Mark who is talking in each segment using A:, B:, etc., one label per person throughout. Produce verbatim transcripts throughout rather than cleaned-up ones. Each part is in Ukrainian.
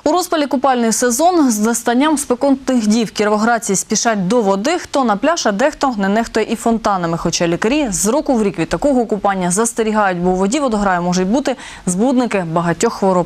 A: У розпалі купальний сезон з застанням спекотних дів кіровоградці спішать до води, хто на пляж, а дехто не нехтує і фонтанами. Хоча лікарі з року в рік від такого купання застерігають, бо у воді водограю можуть бути збудники багатьох хвороб.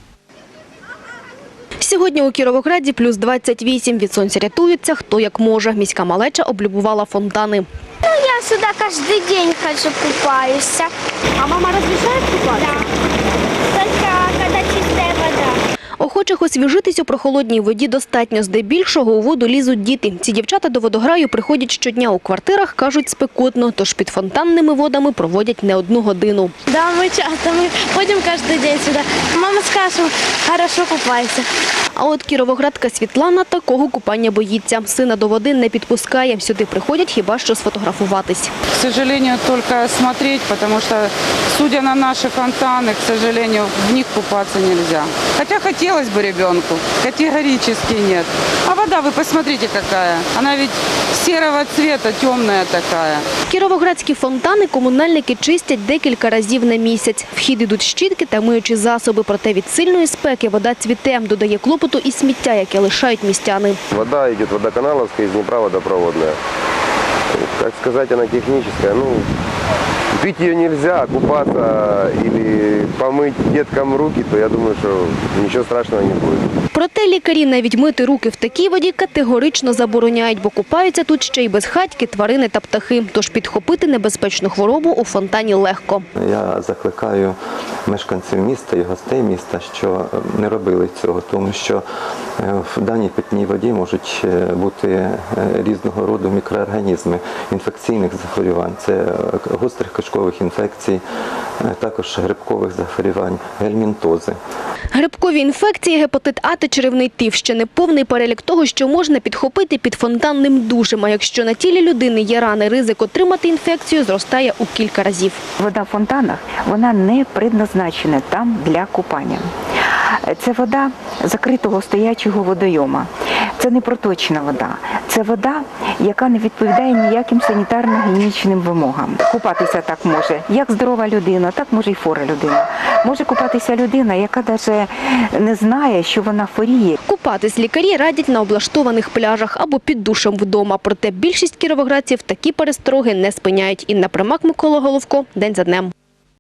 B: Сьогодні у Кіровограді плюс двадцять вісім. Від сонця рятуються хто як може. Міська малеча облюбувала фонтани.
C: Ну, я сюда каждый день хожу, купаюсь.
B: А мама разрешает купаться?
C: Да. Только когда чистая вода.
B: Охочих освіжитись у прохолодній воді достатньо. Здебільшого у воду лізуть діти. Ці дівчата до водограю приходять щодня. У квартирах, кажуть, спекотно, тож під фонтанними водами проводять не одну годину.
C: Да, мы часто, мы ходим каждый день сюда. Мама скажет, хорошо купайся.
B: А от кіровоградка Світлана такого купання боїться. Сина до води не підпускає. Сюди приходять хіба що сфотографуватись.
D: К сожалению, только смотреть, потому что, судя на наши фонтаны, к сожалению, в них купаться нельзя. Хотя хотелось бы ребенку, категорически нет. А вода, вы посмотрите, какая. Она ведь серого цвета, темная такая.
B: Кіровоградські фонтани комунальники чистять декілька разів на місяць. В хід ідуть щітки та миючі засоби. Проте від сильної спеки вода цвіте. Додає клопоту і сміття, яке лишають містяни.
E: Вода йде водоканаловська, из Днепра водопроводна. Как сказать, она техническая. Ну, пить ее нельзя, купаться или помыть деткам руки, то я думаю, что ничего страшного не будет.
B: Проте лікарі навіть мити руки в такій воді категорично забороняють, бо купаються тут ще й безхатьки, тварини та птахи. Тож підхопити небезпечну хворобу у фонтані легко.
F: Я закликаю мешканців міста і гостей міста, що не робили цього, тому що в даній питній воді можуть бути різного роду мікроорганізми інфекційних захворювань. Це гострих кишкових інфекцій, також грибкових захворювань, гельмінтози.
B: Грибкові інфекції, гепатит А та черевний тиф – ще не повний перелік того, що можна підхопити під фонтанним душем. А якщо на тілі людини є рани, ризик отримати інфекцію зростає у кілька разів.
G: Вода в фонтанах, вона не предназначена там для купання. Це вода закритого стоячого водойома. Це не проточна вода. Це вода, яка не відповідає ніяким санітарно-гігієнічним вимогам. Купатися так може як здорова людина, так може і хвора людина. Може купатися людина, яка навіть не знає, що вона хворіє.
B: Купатись лікарі радять на облаштованих пляжах або під душем вдома. Проте більшість кіровоградців такі перестороги не спиняють. Інна Примак, Микола Головко. День за днем.